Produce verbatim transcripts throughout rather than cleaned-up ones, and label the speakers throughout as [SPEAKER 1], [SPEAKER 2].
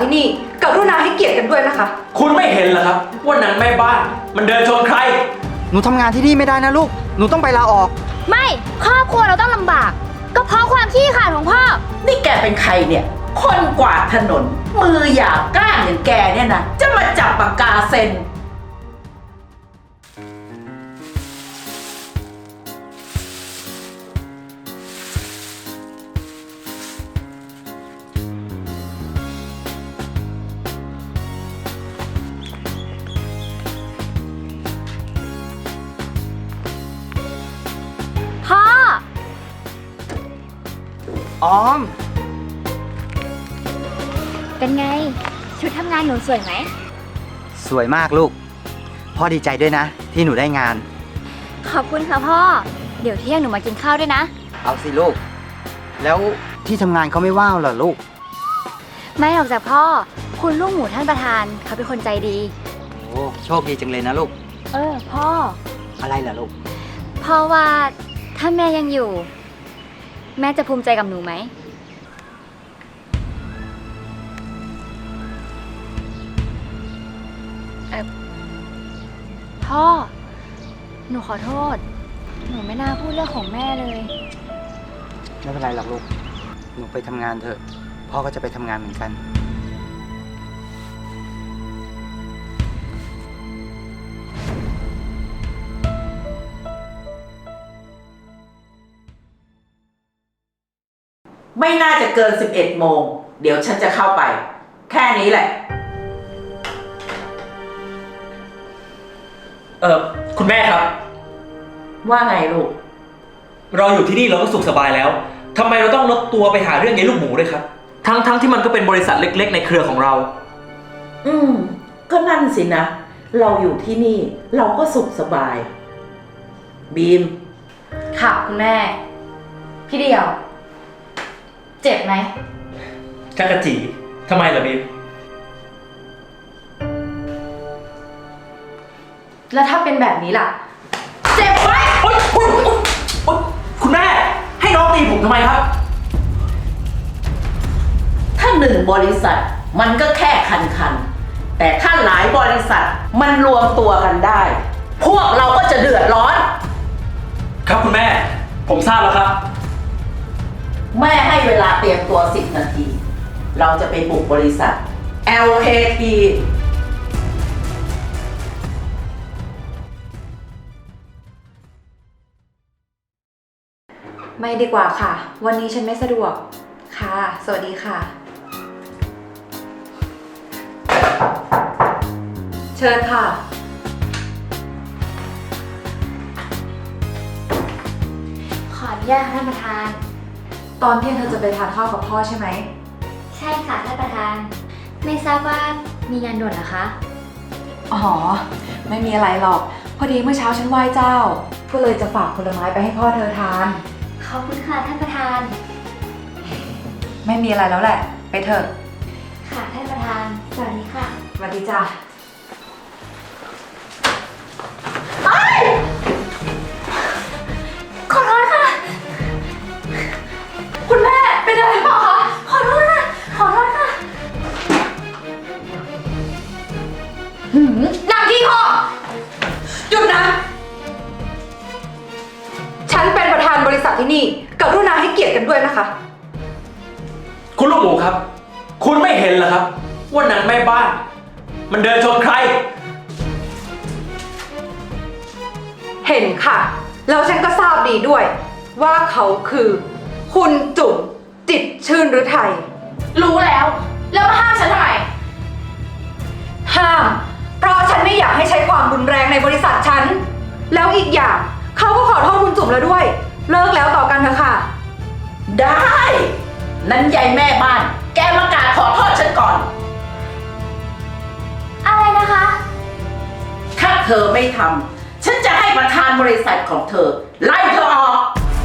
[SPEAKER 1] ที่นี่กรุณาให้เกียรติกันด้วยนะคะ
[SPEAKER 2] คุณไม่เห็นเหรอครับว่านางแม่บ้านมันเดินชนใคร
[SPEAKER 3] หนูทำงานที่นี่ไม่ได้นะลูกหนูต้องไปลาออก
[SPEAKER 4] ไม่ครอบครัวเราต้องลำบาก ก็เพราะความขี้ขลาดของพ่อ
[SPEAKER 5] นี่แกเป็นใครเนี่ยคนกวาดถนนมือหยาบกร้านอย่างแกเนี่ยนะจะมาจับปากกาเซ็น
[SPEAKER 4] พ่อ
[SPEAKER 3] ออม
[SPEAKER 4] เป็นไงชุดทำงานหนูสวยไหม
[SPEAKER 3] สวยมากลูกพ่อดีใจด้วยนะที่หนูได้งาน
[SPEAKER 4] ขอบคุณค่ะพ่อเดี๋ยวเที่ยงหนูมากินข้าวด้วยนะ
[SPEAKER 3] เอาสิลูกแล้วที่ทำงานเขาไม่ว่าวเหรอลูก
[SPEAKER 4] ไม่หรอกจ้ะพ่อคุณลูกหมูท่านประธานเขาเป็นคนใจดี
[SPEAKER 3] โอ้โชคดีจังเลยนะลูก
[SPEAKER 4] เออพ่อ
[SPEAKER 3] อะไรเหรอลูก
[SPEAKER 4] พ่อว่าถ้าแม่ยังอยู่แม่จะภูมิใจกับหนูไหมเออพ่อหนูขอโทษหนูไม่น่าพูดเรื่องของแม่เลย
[SPEAKER 3] ไม่เป็นไรหรอกลูกหนูไปทำงานเถอะพ่อก็จะไปทำงานเหมือนกัน
[SPEAKER 5] ไม่น่าจะเกินสิบเอ็ดโมงเดี๋ยวฉันจะเข้าไปแค่นี้แหละ
[SPEAKER 2] เออคุณแม่ครับ
[SPEAKER 5] ว่าไงลูก
[SPEAKER 2] เราอยู่ที่นี่เราก็สุขสบายแล้วทำไมเราต้องลดตัวไปหาเรื่องยายลูกหมูด้วยครับทั้งทั้งที่มันก็เป็นบริษัทเล็กๆในเครือของเรา
[SPEAKER 5] อืมก็นั่นสินะเราอยู่ที่นี่เราก็สุขสบายบีม
[SPEAKER 1] ค่ะคุณแม่พี่เดียวเจ็บไหม
[SPEAKER 2] จักรจีทำไมล่ะบีม
[SPEAKER 1] แล้วถ้าเป็นแบบนี้ล่ะเจ็บไหม
[SPEAKER 2] โอ๊ยโอ๊ยโอ๊ยคุณแม่ให้น้องตีผมทำไมครับ
[SPEAKER 5] ถ้าหนึ่งบริษัทมันก็แค่คันคันแต่ถ้าหลายบริษัทมันรวมตัวกันได้พวกเราก็จะเดือดร้อน
[SPEAKER 2] ครับคุณแม่ผมทราบแล้วครับ
[SPEAKER 5] แม่ให้เวลาเตรียมตัวสิบนาทีเราจะไปบุกบริษัท แอล เค ที
[SPEAKER 1] ไม่ดีกว่าค่ะวันนี้ฉันไม่สะดวกค่ะสวัสดีค่ะเชิญค่ะ
[SPEAKER 4] ขออนุญาตท่านประธาน
[SPEAKER 1] ตอนเที่ยงเธอจะไปทานข้าวกับพ่อใช่ไหม
[SPEAKER 4] ใช่ค่ะท่านประธานไม่ทราบว่ามีงานด่วนเหรอคะ
[SPEAKER 1] อ๋อไม่มีอะไรหรอกพอดีเมื่อเช้าฉันไหว้เจ้าก็เลยจะฝากผลไม้ไปให้พ่อเธอทาน
[SPEAKER 4] ขอบคุณค่ะท่านประธาน
[SPEAKER 1] ไม่มีอะไรแล้วแหละไปเถอะ
[SPEAKER 4] ค่ะท่านประธานสวัสดีค่ะ
[SPEAKER 1] สวัสดีจ้ะ
[SPEAKER 4] ขอโทษค่ะคุณแม่เป็นอะไรหรือเปล่าคะขอโทษค่ะขอโทษค่ะ
[SPEAKER 1] หืมนางขี้ข้อหยุดนะฉันเป็นประธานบริษัทที่นี่กรุณาให้เกียรติกันด้วยนะคะ
[SPEAKER 2] คุณลูกหมูครับคุณไม่เห็นเหรอครับว่านางแม่บ้านมันเดินชนใคร
[SPEAKER 1] เห็นค่ะแล้วฉันก็ทราบดีด้วยว่าเขาคือคุณจุ๋มจิตชื่นฤทัย
[SPEAKER 4] รู้แล้วแล้วมาห้ามฉันทำไม
[SPEAKER 1] ห้ามเพราะฉันไม่อยากให้ใช้ความรุนแรงในบริษัทฉันแล้วอีกอย่างเขาก็ขอโทษคุณจุ๋มแล้วด้วยเลิกแล้วต่อกันเถอะค่ะ
[SPEAKER 5] ได้นั้นยายแม่บ้านแกมากราบขอโทษฉันก่อน
[SPEAKER 4] อะไรนะคะ
[SPEAKER 5] ถ้าเธอไม่ทำฉันจะให้ประธานบริษัทของเธอไล่เธอออก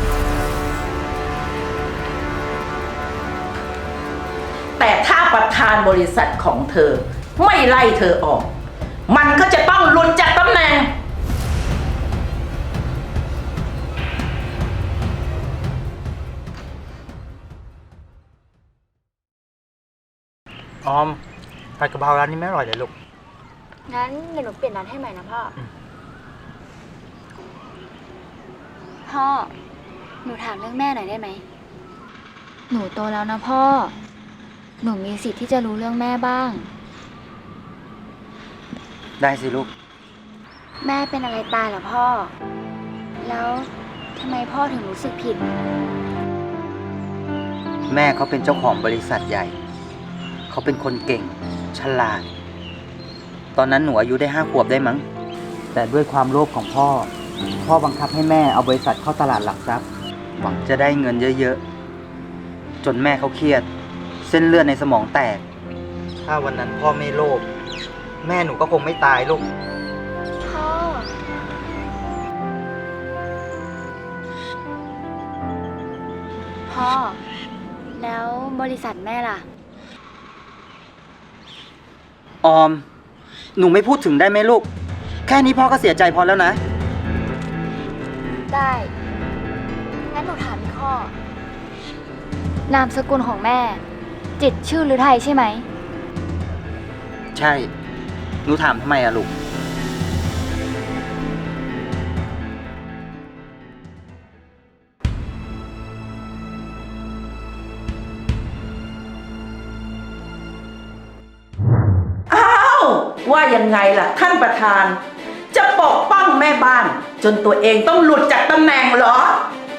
[SPEAKER 5] แต่ถ้าประธานบริษัทของเธอไม่ไล่เธอออกมันก็จะต้องหลุดจากตำแหน่ง
[SPEAKER 3] พออมผัดกะเพราร้านนี้ไม่อร่อยเลยลูก
[SPEAKER 4] งั้นเดี๋ยวหนูเปลี่ยนร้านให้ใหม่นะพ่ออ
[SPEAKER 3] ม
[SPEAKER 4] พ่อ หนูถามเรื่องแม่หน่อยได้ไหม หนูโตแล้วนะพ่อ หนูมีสิทธิ์ที่จะรู้เรื่องแม่บ้าง
[SPEAKER 3] ได้สิลูก
[SPEAKER 4] แม่เป็นอะไรตายเหรอพ่อ แล้วทำไมพ่อถึงรู้สึกผิด
[SPEAKER 3] แม่เขาเป็นเจ้าของบริษัทใหญ่ เขาเป็นคนเก่ง ฉลาด ตอนนั้นหนูอายุได้ห้าขวบได้มั้ง แต่ด้วยความโลภของพ่อ พ่อบังคับให้แม่เอาบริษัทเข้าตลาดหลักทรัพย์ หวังจะได้เงินเยอะๆ จนแม่เขาเครียด เส้นเลือดในสมองแตก ถ้าวันนั้นพ่อไม่โลภ แม่หนูก็คงไม่ตายลูก
[SPEAKER 4] พ่อ พ่อ แล้วบริษัทแม่ล่ะ
[SPEAKER 3] ออม หนูไม่พูดถึงได้ไหมลูก แค่นี้พ่อก็เสียใจพอแล้วนะ
[SPEAKER 4] ได้ งั้นหนูถามอีกข้อ นามสกุลของแม่ จิตรชื่อหรือไทยใช่ไหม
[SPEAKER 3] ใช่ หนูถามทำไมอะลูก
[SPEAKER 5] อ้าว ว่ายังไงล่ะท่านประธาน จะปกป้องแม่บ้าน จนตัวเองต้องหลุดจากตำแหน่งเหรอ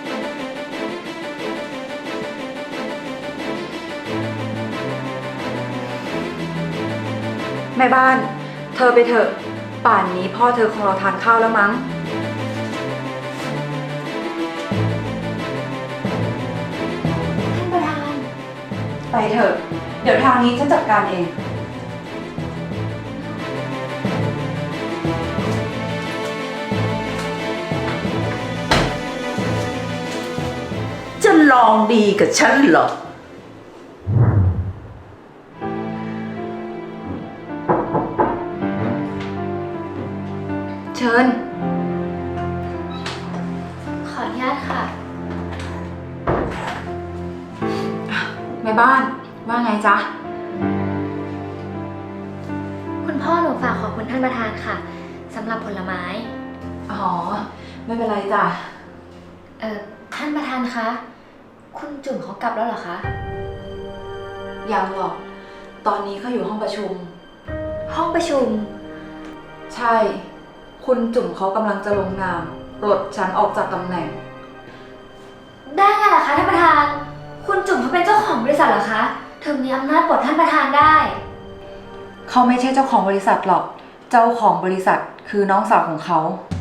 [SPEAKER 1] แม่บ้าน เธอไปเถอะ ป่านนี้พ่อเธอคงรอทานข้าวแล้วมั้ง
[SPEAKER 4] ท่านประธาน
[SPEAKER 1] ไปเถอะ เดี๋ยวทางนี้ฉันจัดการเอง
[SPEAKER 5] จะลองดีกับฉันเหรอ
[SPEAKER 1] เชิญ
[SPEAKER 4] ขออนุญาตค่ะ
[SPEAKER 1] แม่บ้าน ว่าไงจ๊ะ
[SPEAKER 4] คุณพ่อหนูฝากขอบคุณท่านประธานค่ะสำหรับผลไม้
[SPEAKER 1] อ๋อ ไม่เป็นไรจ้ะ
[SPEAKER 4] เอ่อ ท่านประธานคะ คุณจุ่มเขากลับแล้วเหรอคะ
[SPEAKER 1] ยังหรอก ตอนนี้เขาอยู่ห้องประชุม
[SPEAKER 4] ห้องประชุม
[SPEAKER 1] ใช่ คุณจุ๋มเขากำลังจะลงนามปลดฉันออกจากตำแหน่ง
[SPEAKER 4] ได้ไงล่ะคะท่านประธาน คุณจุ่มเขาเป็นเจ้าของบริษัทเหรอคะ ถึงมีอำนาจปลดท่านประธานได้
[SPEAKER 1] เขาไม่ใช่เจ้าของบริษัทหรอก เจ้าของบริษัทคือน้องสาวของเขา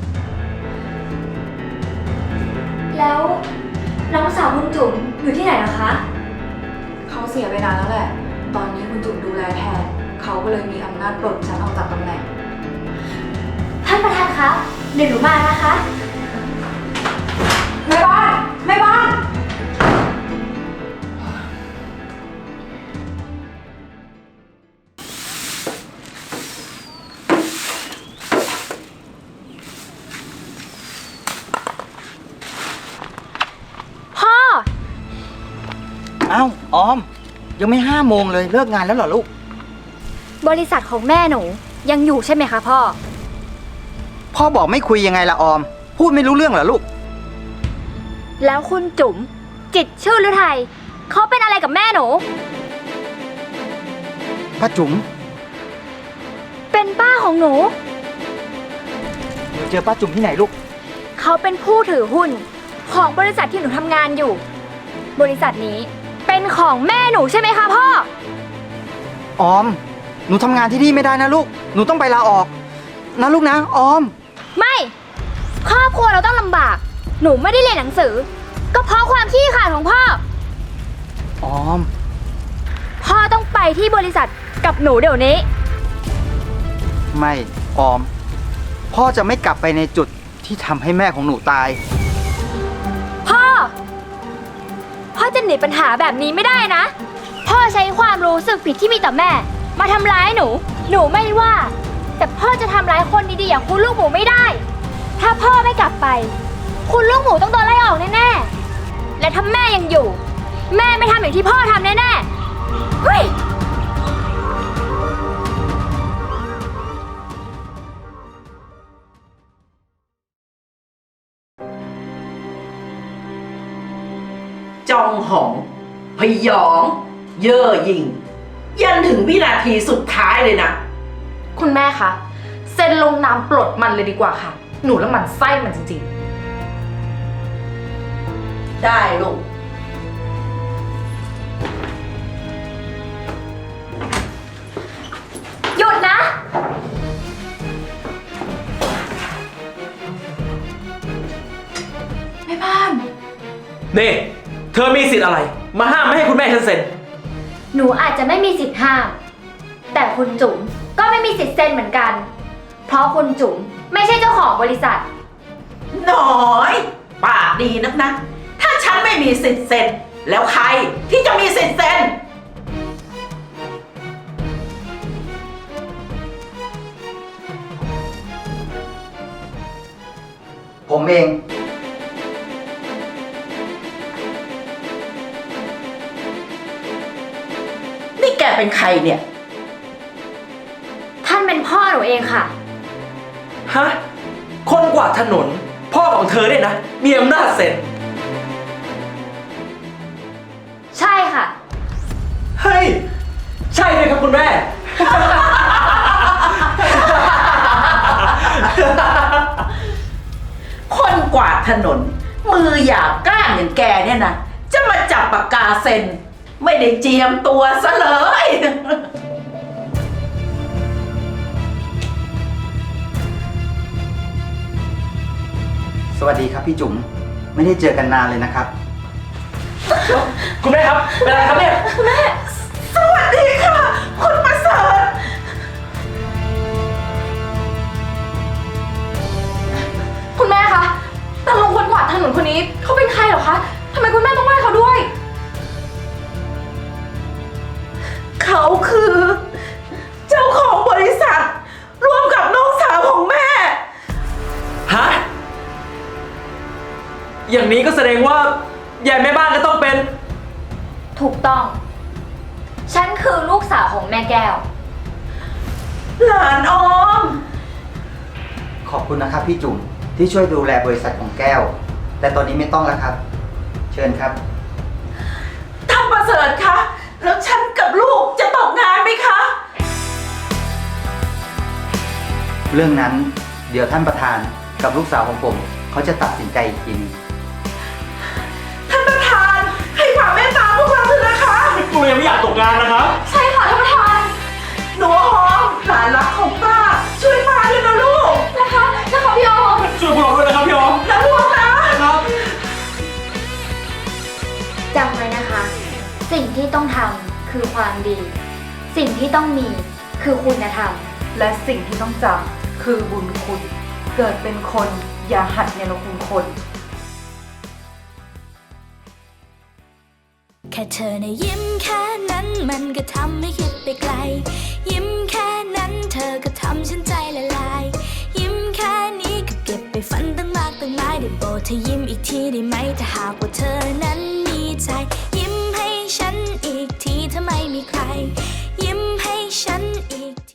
[SPEAKER 4] แล้วน้องสาวคุณจุ๋มอยู่ที่ไหนเหรอคะ
[SPEAKER 1] เขาเสียไปนานแล้วแหละ ตอนนี้คุณจุ๋มดูแลแทน เขาก็เลยมีอำนาจปลดฉันออกจากตำแหน่ง
[SPEAKER 4] ท่านประธานคะ เดี๋ยวหนูมานะคะ
[SPEAKER 1] แม่บ้าน แม่บ้าน
[SPEAKER 4] พ่อ
[SPEAKER 3] เอ้า ออม ยังไม่ห้าโมงเลย เลิกงานแล้วเหรอลูก
[SPEAKER 4] บริษัทของแม่หนูยังอยู่ใช่ไหมคะพ่อ
[SPEAKER 3] พ่อบอกไม่คุยยังไงละออม พูดไม่รู้เรื่องเหรอลูก
[SPEAKER 4] แล้วคุณจุ๋มจิตรชื่อหรือไทยเขาเป็นอะไรกับแม่หนู
[SPEAKER 3] ป้าจุ๋ม
[SPEAKER 4] เป็นป้าของหนู
[SPEAKER 3] หนูเจอป้าจุ๋มที่ไหนลูก
[SPEAKER 4] เขาเป็นผู้ถือหุ้นของบริษัทที่หนูทำงานอยู่ บริษัทนี้เป็นของแม่หนูใช่ไหมคะพ่อ
[SPEAKER 3] ออม หนูทำงานที่นี่ไม่ได้นะลูก หนูต้องไปลาออก นะลูกนะ ออม
[SPEAKER 4] ไม่ ครอบครัวเราต้องลำบาก หนูไม่ได้เรียนหนังสือ ก็เพราะความขี้ขลาดของพ่อ
[SPEAKER 3] ออม
[SPEAKER 4] พ่อต้องไปที่บริษัทกับหนูเดี๋ยวนี้
[SPEAKER 3] ไม่ ออม พ่อจะไม่กลับไปในจุดที่ทำให้แม่ของหนูตาย
[SPEAKER 4] พ่อ พ่อจะหนีปัญหาแบบนี้ไม่ได้นะ พ่อใช้ความรู้สึกผิดที่มีต่อแม่ มาทำร้ายหนู หนูไม่ว่า แต่พ่อจะทำร้ายคนดีๆอย่างคุณลูกหมูไม่ได้ ถ้าพ่อไม่กลับไป คุณลูกหมูต้องโดนไล่ออกแน่ๆ และถ้าแม่ยังอยู่ แม่ไม่ทำอย่างที่พ่อทำแน่ๆ เฮ้ย
[SPEAKER 5] ยอง เย่อหยิ่ง ยันถึงวินาทีสุดท้ายเลยนะ
[SPEAKER 1] คุณแม่คะเซ็นลงนามปลดมันเลยดีกว่าค่ะ หนูแล้วมันไส้มันจริง
[SPEAKER 5] ได้ลูก
[SPEAKER 4] หยุดนะ
[SPEAKER 1] ๆแม่บ้าน
[SPEAKER 2] นี่ เธอมีสิทธิ์อะไร มาห้ามไม่ให้คุณแม่ฉันเซ็น
[SPEAKER 4] หนูอาจจะไม่มีสิทธิ์ห้าม แต่คุณจุ๋มก็ไม่มีสิทธิ์เซ็นเหมือนกัน เพราะคุณจุ๋มไม่ใช่เจ้าของบริษัท
[SPEAKER 5] น้อยปากดีนักนะ ถ้าฉันไม่มีสิทธิ์เซ็น แล้วใครที่จะมีสิทธิ์เซ็น
[SPEAKER 3] ผมเอง
[SPEAKER 5] นี่แกเป็นใครเนี่ย
[SPEAKER 4] ท่านเป็นพ่อหนูเองค่ะ
[SPEAKER 2] ฮะ คนกวาดถนน พ่อของเธอเนี่ยนะ มีอำนาจเซ็น
[SPEAKER 4] ใช่ค่ะ
[SPEAKER 2] เฮ้ย ใช่เลยครับคุณแม่
[SPEAKER 5] คนกวาดถนน มือหยาบกร้านอย่างแกเนี่ยนะ จะมาจับปากกาเซ็น ไม่ได้เจียมตัวซะเลย
[SPEAKER 3] สวัสดีครับพี่จุ๋ม ไม่ได้เจอกันนานเลยนะครับ
[SPEAKER 2] คุณแม่ครับ เป็นอะไรครับเนี่ย
[SPEAKER 5] สวัสดีค่ะ คุณประเสริฐ
[SPEAKER 1] คุณแม่คะตาลุงคนกวาดถนนคนนี้เขาเป็นใครเหรอคะทำไมคุณแม่ต้องไหว้เขาด้วย
[SPEAKER 5] เขาคือ เจ้าของบริษัท ร่วมกับน้องสาวของแม่
[SPEAKER 2] ฮะ อย่างนี้ก็แสดงว่ายายแม่บ้านก็ต้องเป็น
[SPEAKER 4] ถูกต้อง ฉันคือลูกสาวของแม่แก้ว
[SPEAKER 5] หลานออม
[SPEAKER 3] ขอบคุณนะครับพี่จุ๋มที่ช่วยดูแลบริษัทของแก้ว แต่ตอนนี้ไม่ต้องแล้วครับ เชิญครับ
[SPEAKER 5] ท่านประเสริฐคะ แล้วฉันกับลูกจะตกงานไหมคะ
[SPEAKER 3] เรื่องนั้นเดี๋ยวท่านประธานกับลูกสาวของผม เขาจะตัดสินใจอีกทีนึง
[SPEAKER 5] ท่านประธานให้ความเมตตาพวกเราเถอะนะคะ
[SPEAKER 2] กูยังไม่อยากตกงานนะครับ
[SPEAKER 1] ใช่ค่ะท่านประธาน
[SPEAKER 5] หนูหอมหลานรักของป้า ช่วยป้าด้วยนะลูก
[SPEAKER 1] นะคะนะคะพี่ออม
[SPEAKER 2] ช่วยพวกเราด้วยนะครับพี่ออม
[SPEAKER 5] นะลูกนะ
[SPEAKER 2] ครับ
[SPEAKER 4] จำไว้นะคะ สิ่งที่ต้องทำคือความดี สิ่งที่ต้องมีคือคุณธรรม
[SPEAKER 1] และสิ่งที่ต้องจำคือบุญคุณ เกิดเป็นคนอย่าหัดเนรคุณคน
[SPEAKER 6] แค่เธอในะยิ้มแค่นั้นมันก็ทำให้คิดไปไกล ยิ้มแค่นั้นเธอก็ทำฉันใจละลาย ยิ้มแค่นี้ก็เก็บไปฝันตั้งมากตั้งหลายได้โปรดเธอยิ้มอีกทีได้ไหมถ้าหากว่าเธอนั้นมีใจ